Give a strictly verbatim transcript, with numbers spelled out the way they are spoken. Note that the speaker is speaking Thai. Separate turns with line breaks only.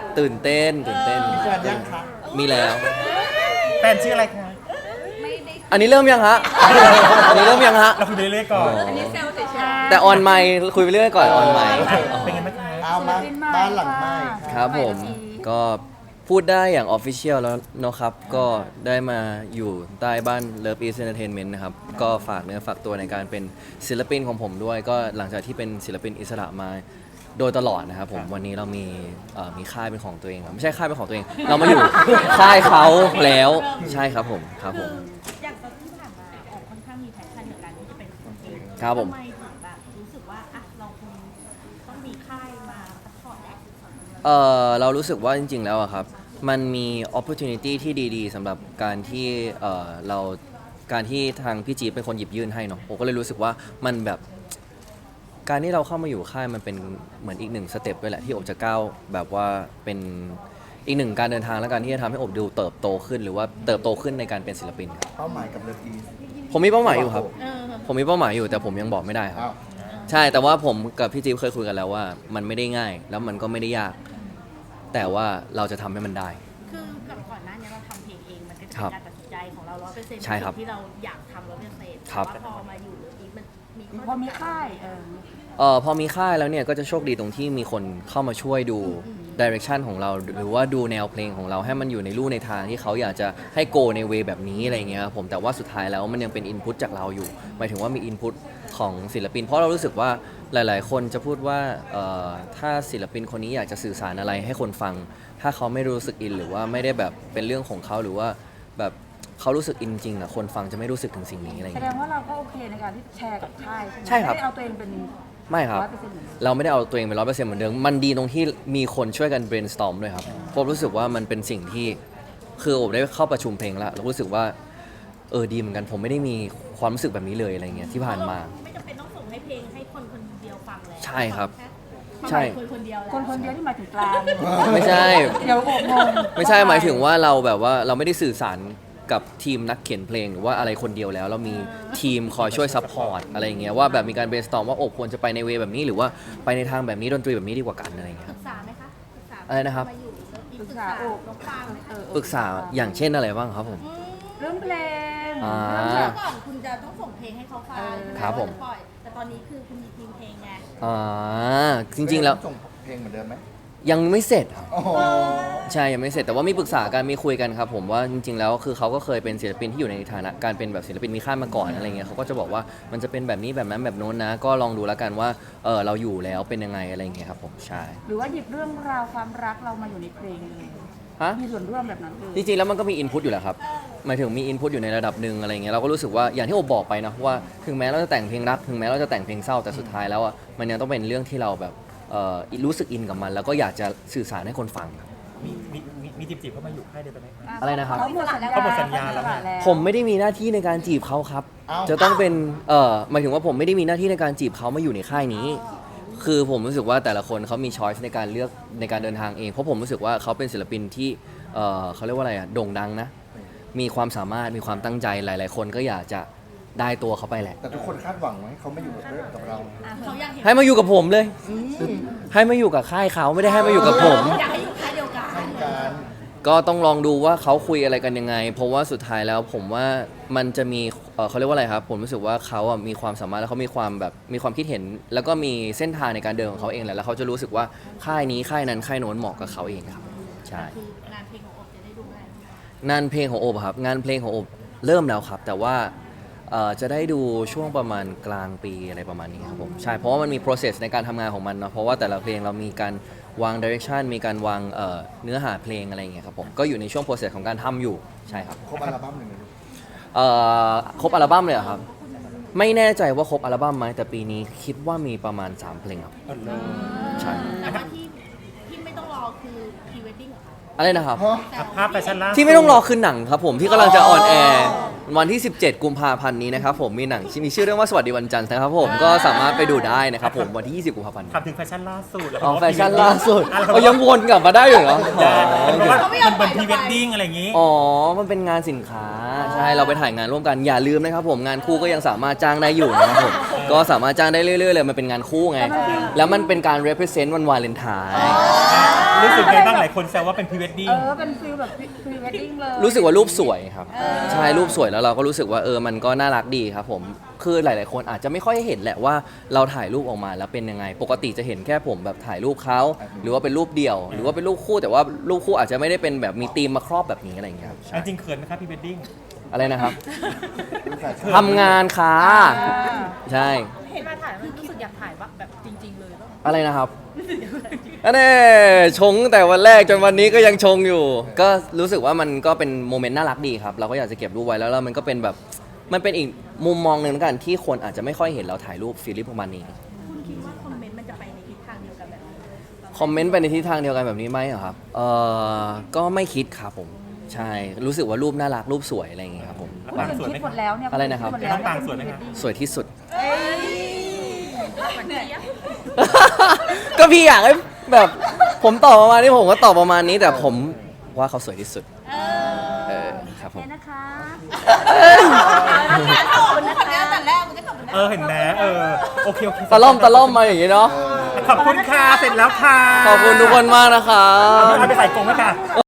ตื่นเต้นตื่นเต้น
มีแฟนยังคะ
มีแล้ว
แฟนชื่ออะไรคะ
อันนี้เริ่มยังฮะ อันนี้เริ่มยังฮะ
เราคุยไปเรื่อยๆก่อน
อันนี้เซลล์เฉยๆแต่ออนไมค์คุยไปเรื่อยก่อนออนไมค์
เป็นไงบ้างคะ
เอามาบ้านหลังใหม่
ครับผมก็พูดได้อย่างออฟฟิเชียลแล้วเนาะครับ ก็ได้มาอยู่ใต้บ้าน Love East Entertainment นะครับ ก็ฝากเนื้อฝากตัวในการเป็นศิลปินของผมด้วย ก็หลังจากที่เป็นศิลปินอิสระมาโดยตลอดนะครับผมวันนี้เรามีเอ่อมีค่ายเป็นของตัวเองครับไม่ใช่ค่ายเป็นของตัวเอง เรามาอยู่ ค่ายเขาแล้วใช่ครับผมครับผม
อย่างตอนที่ผ่านมาออกค่อนข้างมีแพชชั่นในการที่จะเป็นคนเอง
ครับผม
ทำไมถึงแบบรู้สึกว่าอ่ะเราคงต้องมีค่ายมาซัพพอร์ตแหละ
เออเรารู้สึกว่าจริงๆแล้วอะครับมันมี opportunity ที่ดีๆสำหรับการที่เออเราการที่ทางพี่จีเป็นคนหยิบยื่นให้เนาะผมก็เลยรู้สึกว่ามันแบบการที่เราเข้ามาอยู่ค่ายมันเป็นเหมือนอีกหนึ่งสเต็ปด้วยแหละที่อบจะก้าวแบบว่าเป็นอีกหนึ่งการเดินทางและการที่จะทำให้อบดูเติบโตขึ้นหรือว่าเติบโตขึ้นในการเป็นศิลปินครับ
เป้าหมายกับเลิฟอีส
ผมมีเป้าหมายอยู่ครับ
เออ
ผมมีเป้าหมายอยู่แต่ผมยังบอกไม่ได้ครับ
อ้าว
ใช่แต่ว่าผมกับพี่จิ๊บเคยคุยกันแล้วว่ามันไม่ได้ง่ายแล้วมันก็ไม่ได้ยาก แต่ว่าเราจะทำให้มันได้
คือกับก่อนหน้านี้เราทำเพลงเองมันก็จะ
ครั
เป็น
บ
การตัดสินใจของเราร้อยเปอร์เซ็นต์
ใช่ครับ
ที่เราอยากทำร้อยเปอร์เซ็นต์
ครับ
แต่ว่าพอมาอยู่หรืออีกมันมี
พอมีค่ายเออ
เออพอมีค่ายแล้วเนี่ยก็จะโชคดีตรงที่มีคนเข้ามาช่วยดูดิเรกชันของเราหรือว่าดูแนวเพลงของเราให้มันอยู่ในรูในทางที่เขาอยากจะให้โกในเวแบบนี้อะไรเงี้ยครับผมแต่ว่าสุดท้ายแล้วมันยังเป็นอินพุตจากเราอยู่หมายถึงว่ามีอินพุตของศิลปิน เพราะเรารู้สึกว่าหลายๆ คนจะพูดว่าเอ่อถ้าศิลปินคนนี้อยากจะสื่อสารอะไรให้คนฟัง ถ้าเขาไม่รู้สึกอินหรือว่าไม่ได้แบบเป็นเรื่องของเขาหรือว่าแบบเขารู้สึกอินจริงอ่ะคนฟังจะไม่รู้สึกถึงสิ่งนี้อะไร
แสด
เงี้
ง
ย
ว่าเราก็โอเคในการที่แชร์กับค่ายใช่ไหม
ใช่ครับ
ไม่ได้เอาตัวเองเป็น
ไม่ครับ
ร้อยเปอร์เซ็นต์เหมือนเดิม
เราไม่ได้เอาตัวเองเป็นร้อยเปอร์เซ็นต์เหมือนเดิม มันดีตรงที่มีคนช่วยกัน brainstorm ด้วยครับผมรู้สึกว่ามันเป็นสิ่งที่คือผมได้เข้าประชุมเพลงแล้วเรารู้สึกว่าเออดีเหมือนกันผมไม่ได้มีความรู้สึกแบบนี้เลยอะไรเงี้ยที่ผ่านมา
ไม่จำเป็นต้องส่งให้เพลงให้คนคนเดียวฟังแล้ว
ใช่ครับ
ฟัง
ใช่
คนคนเดียวแล้ว
คนคนเดียวที่หมายถึงกลาง
ไม่ใช่
เดี๋ยวโอบงง
ไม่ใช่หมายถึงว่าเราแบบว่าเราไม่ได้สื่อสารกับทีมนักเขียนเพลงหรือว่าอะไรคนเดียวแล้ว เรามีทีมคอยช่วยซัพพอร์ตอะไรอย่างเงี้ยว่าแบบมีการ brainstorm ว่าโอบควรจะไปในเวแบบนี้หรือว่าไปในทางแบบนี้ดนตรีแบบนี้ดีกว่ากันอะไรอย่างเงี้ย
ป
ค
รึ
รับ
กษาไหมคะปรึกษา
อะไรนะครับ
มาอยู่แล้วมี
ปรึ
ปรึ
ก
ก
ษา
ษา
โอบ
น้องฟางไหม
เอ
คะ
อ
ปรึกษาอย่างเช่นอะไรบ้างครับผม
เรื่องเพลง
อ่า
เรื่อง
เมื่
แบ
อบ ก่อนคุณจะต้องส่งเพลงให้เขาฟัง
เออ
ใช่ไห
ครับผม
ว่าจะปล่อยแต่ตอนนี้คือคุณมีทีมเพลงไง
อ่าจริงๆแล้ว
ส่งเพลงเหมือนเดิมไหม
ยังไม่เสร็จครับ
โอ้โห
ใช่ยังไม่เสร็จแต่ว่ามีปรึกษากันมีคุยกันครับผมว่าจริง ๆ แล้วคือเขาก็เคยเป็นศิลปินที่อยู่ในฐานะการเป็นแบบศิลปินมีค่ายมาก่อนอะไรเงี้ยเขาก็จะบอกว่ามันจะเป็นแบบนี้แบบนั้นแบบโน้นนะ ก็ลองดูแล้วกันว่าเออเราอยู่แล้วเป็นยังไงอะไรเงี้ยครับผมใช่
หรือว่าหยิบเรื่องราวความรักเรามาอยู่ในเพลงเลย
ฮะ
มีส่วนร่วมแบบนั้นเลย
จริงๆแล้วมันก็มีอินพุตอยู่แหละครับหมายถึงมีอินพุตอยู่ในระดับหนึ่งอะไรเงี้ยเราก็รู้สึกว่าอย่างที่โอบอกไปนะว่าถึงแม้เราจะแต่งเพลงรักถึงแม้เราจะแต่งเพลงเศร้าแต่สุดท้ายแล้วอ่ะมันยังต้องเป็นเรื่องที่เราแบบเอ่อรู้สึกอินกับมัน แล้วก็อยากจะสื่อสารให้คนฟังครับ
มีมีมีมีจีบจีบเข้ามาอยู่ค่ายเดียวกันไหมคะ
อะไรนะครับ
เขาหมดสัญญา
เขาหมดสัญญาแล้ว
เขหมดสัญญา
ผมไม่ได้มีหน้าที่ในการจีบเขาครับ
เอ้า
จะต้องเป็น เอ่อ หมายถึงว่าผมไม่ได้มีหน้าที่ในการจีบเขามาอยู่ในค่ายนี้ คือผมรู้สึกว่าแต่ละคนเขามีช้อยส์ในการเลือกในการเดินทางเอง เพราะผมรู้สึกว่าเขาเป็นศิลปินที่ เอ่อเขาเรียกว่าอะไรอะโด่งดังนะ มีความสามารถ มีความตั้งใจ หลาย ๆ คนก็อยากจะได้ตัวเขาไปแหละ
แต่ทุกคนคาดหวังไว้เขาไม่อยู่กับกับเรา
อ่ะเขาอยากเห็น
ให้มาอยู่กับผมเลย ให้มาอยู่กับค่ายเขาไม่ได้ให้มาอยู่กับผม
อยากให้อยู่ค่ายเดียวกัน
การ
ก็ต้องลองดูว่าเขาคุยอะไรกันยังไง เพราะว่าสุดท้ายแล้วผมว่ามันจะมีเอ่อเขาเรียกว่าอะไรครับ ผมรู้สึกว่าเขาอ่ะมีความสามารถแล้วเขามีความแบบมีความคิดเห็น แล้วก็มีเส้นทางในการเดินของเขาเองแหละแล้วเขาจะรู้สึกว่าค่ายนี้ค่ายนั้นค่ายโน้นเหมาะกับเขาเองครับใช่
คืองานเพลงของอบจะได้ดูไหม
งานเพลงของโอบอะครับงานเพลงของโอบเริ่มแล้วครับ แต่ว่าเอ่อจะได้ดูช่วงประมาณกลางปีอะไรประมาณนี้ครับผมใช่เพราะว่ามันมี process ในการทำงานของมันเนาะเพราะว่าแต่ละเพลงเรามีการวาง direction มีการวางเอ่อเนื้อหาเพลงอะไรอย่างเงี้ยครับผมก็อยู่ในช่วง process ของการทำอยู่ใช่ครับ
ครบอัลบั้มหนึ่งเลย
เอ่อครบอัลบั้มเลยเหรอครับ ไม่แน่ใจว่าครบอัลบั้มไหมแต่ปีนี้คิดว่ามีประมาณสามเพลงครับ
เออเลิศ
ใช่
แต่ว่าที่ที่ไม่ต้องรอคือ pre wedding เหรอคะ
อะไรนะครับ
ฮะ
อ่ะภาพแฟชั่นล่าสุด
ที่ไม่ต้องรอคือหนังครับผมที่กำลังจะออนแอร์วันที่ สิบเจ็ด กุมภาพันธ์นี้นะครับผมมีหนังที่มีชื่อเรื่องว่าสวัสดีวันจันทร์นะครับผมก็สามารถไปดูได้นะครับผมวันที่ ยี่สิบ กุมภาพันธ์นี้
ถามถึงแฟชั่นล่าสุดแล้ว
อ๋อ
ก็
แฟชั่นล่าสุด
อ่ะ
เอายังวนกลับมาได้อยู่เหรอ
เพราะว่า
เขาไม่ยอ
มั
ม
น
ปล่
เป็
อน ย
พรีเวดดิ้งอะไรอย่างงี้
อ๋อ มันเป็นงานสินค้า ใช่ เราไปถ่ายงานร่วมกัน อย่าลืมนะครับผม งานคู่ก็ยังสามารถจ้างได้อยู่นะครับผม ก็สามารถจ้างได้เรื่อยๆเลย มันเป็นงานคู่ไง แล้วมันเป็นการ represent วันวาเลนไทน์
รู้สึกไงบ้างหลายคนแซวว่าเป็นพรีเวดดิ้ง
เออเป็นฟิลแบบพรีเวดดิ้งเลย
รู้สึกว่ารูปสวยครับใช่รูปสวยแล้วเราก็รู้สึกว่าเออมันก็น่ารักดีครับผมคือหลาย ๆ คนอาจจะไม่ค่อยเห็นแหละว่าเราถ่ายรูปออกมาแล้วเป็นยังไง ปกติจะเห็นแค่ผมแบบถ่ายรูปเขาหรือว่าเป็นรูปเดี่ยว หรือว่าเป็นรูปคู่แต่ว่ารูปคู่อาจจะไม่ได้เป็นแบบมีธีมมาครอบแบบนี้อะไรอย่างเงี้ยครับ
จริงๆเขินไหมครับพรีเวดดิ้ง
อะไรนะครับ
ลูกสาวชอบ
ทำงานค่ะ
อ่า
ใช่
เห็นมาถ่ายแล้วรู้สึกอยากถ่ายว่าแบบจริง ๆ เลยป่ะ
อะไรนะครับอันนี้ชงแต่วันแรกจนวันนี้ก็ยังชงอยู่ ก็รู้สึกว่ามันก็เป็นโมเมนต์น่ารักดีครับ เราก็อยากจะเก็บรูปไว้แล้วแล้วมันก็เป็นแบบมันเป็นอีกมุมมองหนึ่งแล้วกันที่คนอาจจะไม่ค่อยเห็นเราถ่ายรูปฟีลลิ่งประมาณนี้
คุณคิดว่าคอมเมนต์มันจะไปในทิศทางเดียวกันแบบนี้
คอมเมนต์ไปในทิศทางเดียวกันแบบนี้ไหมอะครับเออก็ไม่คิดครับผมใช่รู้สึกว่ารูปน่ารักรูปสวยอะไรอย่างเงี้ยครับผม
คนอื่นคิดหมดแล้วเนี่ย
อะไรนะครับ
ดหมดแล้ว
น้ำตาลสวยไหมคะ
สวยที่สุด
เอ้ย
เหนื่อย
ก็พี่อยากให้แบบผมตอบประมาณนี้ผมก็ตอบประมาณนี้แต่ผมว่าเขาสวยที่สุดเออครับผ
โอ
ม
เคนะคะ
ขอบคุณนะคะแต่แรกมันก็ขอบคุณนะ
เออเห็นไหมเออโอเคโอเค
ตะล่อมตะล่อมมาอย่างนี้เนาะ
ขอบคุณค่ะเสร็จแล้วค่ะ
ขอบคุณทุกคนมากนะครับ
เอาไปใส่กรงไหมค่ะ